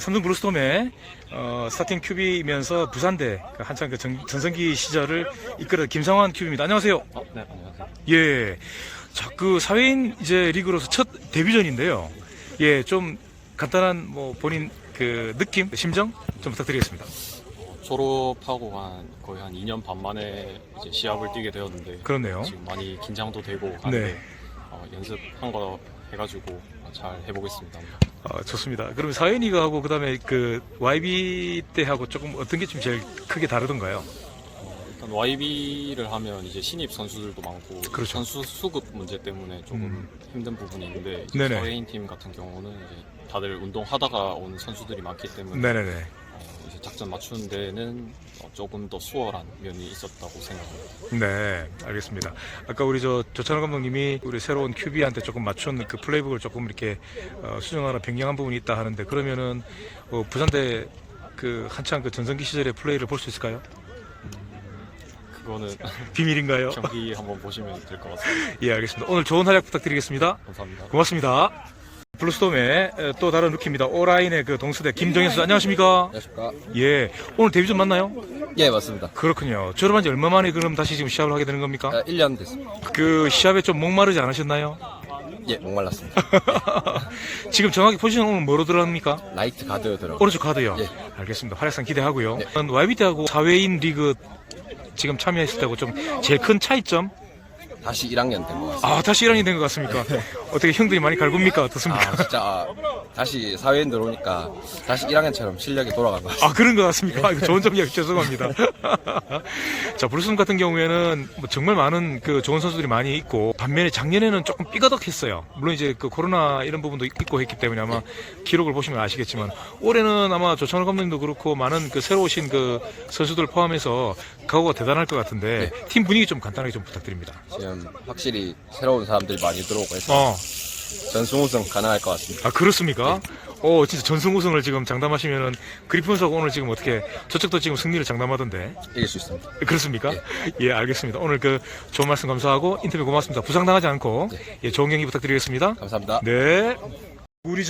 삼성 블루스톰의 스타팅 큐비이면서 부산대 한창 그 전성기 시절을 이끌어 김상환 큐비입니다. 안녕하세요. 네, 안녕하세요. 예. 자, 그 사회인 이제 리그로서 첫 데뷔전인데요. 예, 좀 간단한 뭐 본인 그 느낌, 심정 좀 부탁드리겠습니다. 졸업하고 거의 한 2년 반 만에 이제 시합을 뛰게 되었는데 그렇네요. 지금 많이 긴장도 되고 하는데 네. 연습한 거 해가지고 잘 해보겠습니다. 좋습니다. 그럼 사회인 리그하고 그다음에 그 YB 때하고 조금 어떤 게 좀 제일 크게 다르던가요? 일단 YB를 하면 이제 신입 선수들도 많고 그렇죠. 선수 수급 문제 때문에 조금 힘든 부분이 있는데 이제 네네. 사회인 팀 같은 경우는 이제 다들 운동하다가 온 선수들이 많기 때문에 네네네. 이제 작전 맞추는 데는 조금 더 수월한 면이 있었다고 생각합니다. 네, 알겠습니다. 아까 우리 조찬호 감독님이 우리 새로운 큐비한테 조금 맞춘 그 플레이북을 조금 이렇게 수정하나 변경한 부분이 있다 하는데 그러면은 부산대 그 한창 그 전성기 시절의 플레이를 볼 수 있을까요? 그거는 비밀인가요? 경기 한번 보시면 될 것 같습니다. 예, 알겠습니다. 오늘 좋은 활약 부탁드리겠습니다. 감사합니다. 고맙습니다. 블루스톰의 또 다른 루키입니다. 오라인의 그 동수대 김정현 선수 안녕하십니까? 안녕하십니까? 예, 오늘 데뷔전 맞나요? 예, 맞습니다. 그렇군요. 졸업한 지 얼마 만에 그럼 다시 지금 시합을 하게 되는 겁니까? 1년 됐습니다. 그 시합에 좀 목마르지 않으셨나요? 예, 목말랐습니다. 지금 정확히 포지션 오늘 뭐로 들어갑니까? 라이트 가드 들어. 오른쪽 카드요. 예. 알겠습니다. 활약상 기대하고요. 네. YB 때하고 사회인 리그 지금 참여했을 때하고 좀 제일 큰 차이점? 다시 1학년 된 것 같습니다. 아, 다시 1학년이 된 것 같습니까? 어떻게 형들이 많이 갈굽니까? 어떻습니까? 진짜 다시 사회인 들어오니까 다시 1학년처럼 실력이 돌아간 것 같습니다. 아, 그런 것 같습니까? 이거 좋은 점 이야기 죄송합니다. 자, 블루스톰 같은 경우에는 뭐 정말 많은 그 좋은 선수들이 많이 있고, 반면에 작년에는 조금 삐거덕했어요. 물론 이제 그 코로나 이런 부분도 있고 했기 때문에 아마 기록을 보시면 아시겠지만, 올해는 아마 조찬호 감독님도 그렇고, 많은 그 새로 오신 그 선수들 포함해서 각오가 대단할 것 같은데, 팀 분위기 좀 간단하게 좀 부탁드립니다. 지금 확실히 새로운 사람들이 많이 들어오고 해서 전승 우승 가능할 것 같습니다. 아, 그렇습니까? 진짜 전승 우승을 지금 장담하시면은 그리폰스하고 오늘 지금 어떻게 저쪽도 지금 승리를 장담하던데 이길 수 있습니다. 그렇습니까? 예, 알겠습니다. 오늘 그 좋은 말씀 감사하고 인터뷰 고맙습니다. 부상당하지 않고 예, 좋은 경기 부탁드리겠습니다. 감사합니다. 네. 우리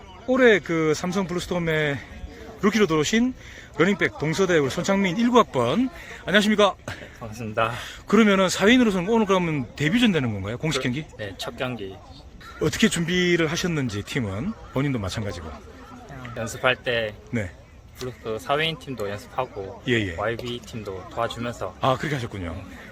올해 그 삼성 블루스톰의 루키로 들어오신 러닝백 동서대 우리 손창민 19학번 안녕하십니까? 반갑습니다. 그러면은 사회인으로서는 오늘 그러면 데뷔전 되는 건가요? 공식 경기? 네, 첫 경기 어떻게 준비를 하셨는지 팀은 본인도 마찬가지고. 연습할 때 네. 그 사회인 팀도 연습하고 예. YB 팀도 도와주면서 아, 그렇게 하셨군요.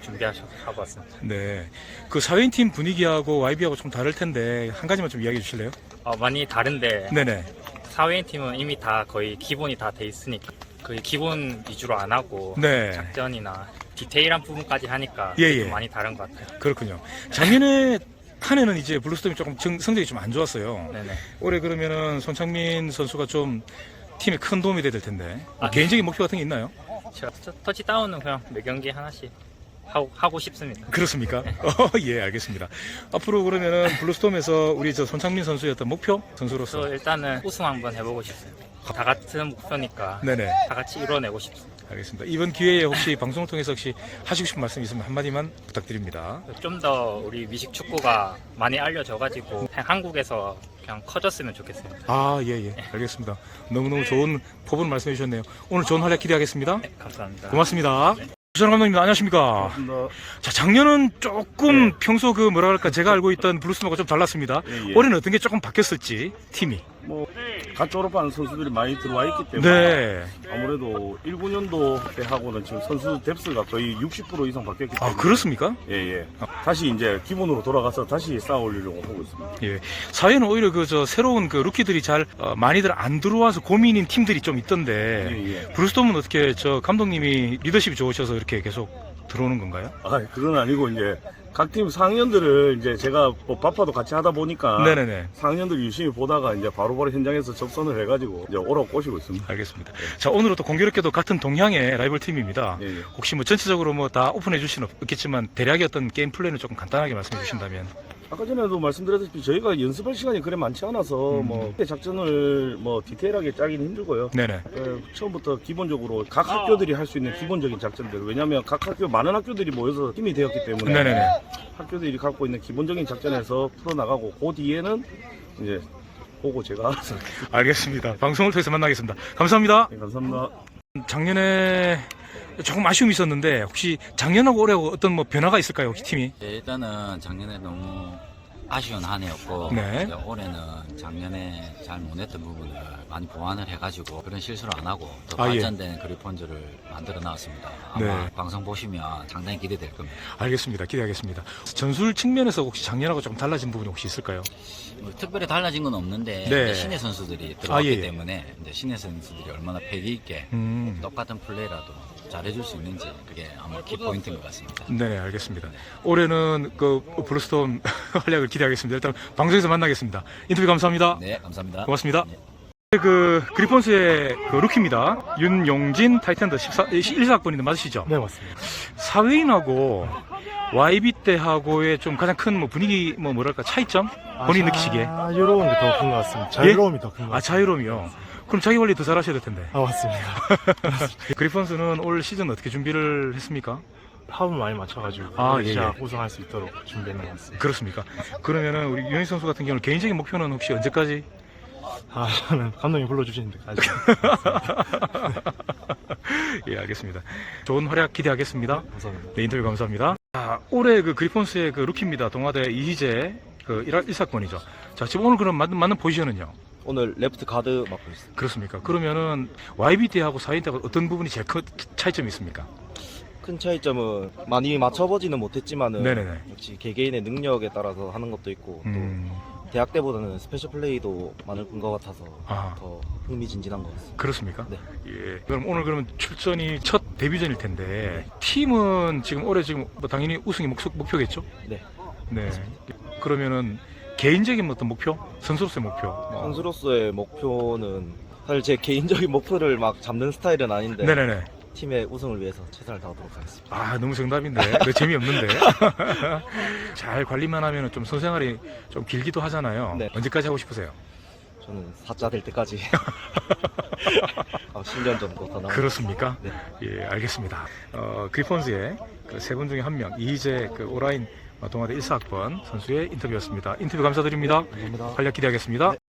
준비하고 왔습니다. 네. 그 사회인 팀 분위기하고 YB하고 좀 다를 텐데 한 가지만 좀 이야기해 주실래요? 많이 다른데 네네. 사회인 팀은 이미 다 거의 기본이 다 돼 있으니까 거의 기본 위주로 안 하고 네. 작전이나 디테일한 부분까지 하니까 예. 좀 많이 다른 것 같아요. 그렇군요. 작년에 한 해는 이제 블루스톰이 조금 성적이 좀 안 좋았어요. 네네. 올해 그러면은 손창민 선수가 좀 팀에 큰 도움이 돼야 될 텐데 아, 개인적인 목표 같은 게 있나요? 제가 터치다운은 그냥 매 경기 하나씩 하고 싶습니다. 그렇습니까? 예, 알겠습니다. 앞으로 그러면은 블루스톰에서 우리 손창민 선수의 어떤 목표 선수로서 그래서 일단은 우승 한번 해보고 싶어요. 다 같은 목표니까 네네. 다 같이 이뤄내고 싶습니다. 알겠습니다. 이번 기회에 혹시 방송을 통해서 혹시 하시고 싶은 말씀 있으면 한마디만 부탁드립니다. 좀 더 우리 미식 축구가 많이 알려져가지고 그냥 한국에서 그냥 커졌으면 좋겠습니다. 아, 예. 알겠습니다. 너무너무 좋은 포부를 말씀해 주셨네요. 오늘 좋은 활약 기대하겠습니다. 네, 감사합니다. 고맙습니다. 부산 감독님 안녕하십니까? 자, 작년은 조금 평소 그 뭐라 그럴까 제가 알고 있던 블루스톰하고 좀 달랐습니다. 예. 올해는 어떤 게 조금 바뀌었을지 팀이. 갓 졸업하는 선수들이 많이 들어와 있기 때문에 네. 아무래도 19년도 때하고는 지금 선수 뎁스가 거의 60% 이상 바뀌었기 때문에 아, 그렇습니까? 예. 다시 이제 기본으로 돌아가서 다시 쌓아 올리려고 하고 있습니다. 예. 사회는 오히려 새로운 그 루키들이 잘 많이들 안 들어와서 고민인 팀들이 좀 있던데 예. 블루스톰은 어떻게 감독님이 리더십이 좋으셔서 이렇게 계속 들어오는 건가요? 아, 그건 아니고 이제 각 팀 상위원들을 이제 제가 뭐 바빠도 같이 하다 보니까 네네네. 상위원들 유심히 보다가 이제 바로바로 현장에서 접선을 해가지고 이제 오라고 꼬시고 있습니다. 알겠습니다. 자, 오늘은 또 공교롭게도 같은 동향의 라이벌 팀입니다. 예. 혹시 뭐 전체적으로 뭐 다 오픈해 주신 없겠지만 대략의 어떤 게임 플랜을 조금 간단하게 말씀해 주신다면. 아까 전에도 말씀드렸다시피 저희가 연습할 시간이 그래 많지 않아서 뭐 작전을 뭐 디테일하게 짜기는 힘들고요. 네네. 처음부터 기본적으로 각 학교들이 할 수 있는 기본적인 작전들, 왜냐하면 각 학교 많은 학교들이 모여서 팀이 되었기 때문에 네네네. 학교들이 갖고 있는 기본적인 작전에서 풀어나가고 그 뒤에는 이제 보고 제가 알겠습니다. 방송을 통해서 만나겠습니다. 감사합니다. 네, 감사합니다. 작년에 조금 아쉬움이 있었는데 혹시 작년하고 올해하고 어떤 뭐 변화가 있을까요? 혹시 팀이? 네, 일단은 작년에 너무 아쉬운 한 해였고 네. 이제 올해는 작년에 잘 못했던 부분을 많이 보완을 해가지고 그런 실수를 안 하고 더 아, 예. 발전된 그리폰즈를 만들어 나왔습니다. 아마 네. 방송 보시면 상당히 기대될 겁니다. 알겠습니다. 기대하겠습니다. 전술 측면에서 혹시 작년하고 좀 달라진 부분이 혹시 있을까요? 뭐 특별히 달라진 건 없는데 네. 이제 신예 선수들이 들어왔기 예. 때문에 이제 신예 선수들이 얼마나 패기 있게 똑같은 플레이라도 잘해줄 수 있는지 그게 아마 키포인트인 것 같습니다. 네, 알겠습니다. 올해는 그 블루스톰 활약을 기대하겠습니다. 일단 방송에서 만나겠습니다. 인터뷰 감사합니다. 네, 감사합니다. 고맙습니다. 네. 그 그리폰스의 그 루키입니다. 윤용진 타이탄드 14학번인데 맞으시죠? 네, 맞습니다. 사회인하고 YB 때하고의 좀 가장 큰 뭐 분위기 뭐 뭐랄까 차이점 본인 느끼시기에. 자유로운 게 더 큰 것 같습니다. 자유로움이 더 큰 것 같습니다. 아, 자유로움이요. 그럼 자기 관리 더 잘하셔야 될 텐데. 아, 맞습니다. 그리폰스는 올 시즌 어떻게 준비를 했습니까? 합을 많이 맞춰가지고 아, 예, 시작 예. 우승할 수 있도록 준비했는 것 같습니다. 그렇습니까? 그러면은 우리 윤희 선수 같은 경우는 개인적인 목표는 혹시 언제까지? 아, 저는 감독님 불러주시는 데까지. 예, 알겠습니다. 좋은 활약 기대하겠습니다. 감사합니다. 네, 인터뷰 감사합니다. 아, 올해 그 그리폰스의 그 루키입니다. 동아대 이희재 그 1사건이죠. 자, 지금 오늘 그럼 맞는 포지션은요? 오늘 레프트 가드 맡고 있습니다. 그렇습니까? 그러면은 YB 때하고 사인 때하고 어떤 부분이 제일 큰 차이점이 있습니까? 큰 차이점은 많이 맞춰보지는 못했지만은 네네네. 역시 개개인의 능력에 따라서 하는 것도 있고 또 대학 때보다는 스페셜 플레이도 많을 것 같아서 아. 더 흥미진진한 것 같습니다. 그렇습니까? 네. 예. 그럼 오늘 그러면 출전이 첫 데뷔전일 텐데 팀은 지금 올해 지금 뭐 당연히 우승이 목표겠죠? 네. 네. 그러면은 개인적인 어떤 목표, 선수로서의 목표. 선수로서의 목표는 사실 제 개인적인 목표를 막 잡는 스타일은 아닌데 네네네. 팀의 우승을 위해서 최선을 다하도록 하겠습니다. 아, 너무 정답인데. 네, 재미없는데. 잘 관리만 하면 좀 선생활이 좀 길기도 하잖아요. 네. 언제까지 하고 싶으세요? 저는 4자 될 때까지 10년 정도 더 남았습니다. 그렇습니까? 네. 예, 알겠습니다. 그리폰스의 그 세 분 중에 한 명, 이희재 그 오라인 동아대 1사학번 선수의 인터뷰였습니다. 인터뷰 감사드립니다. 감사합니다. 활약 기대하겠습니다.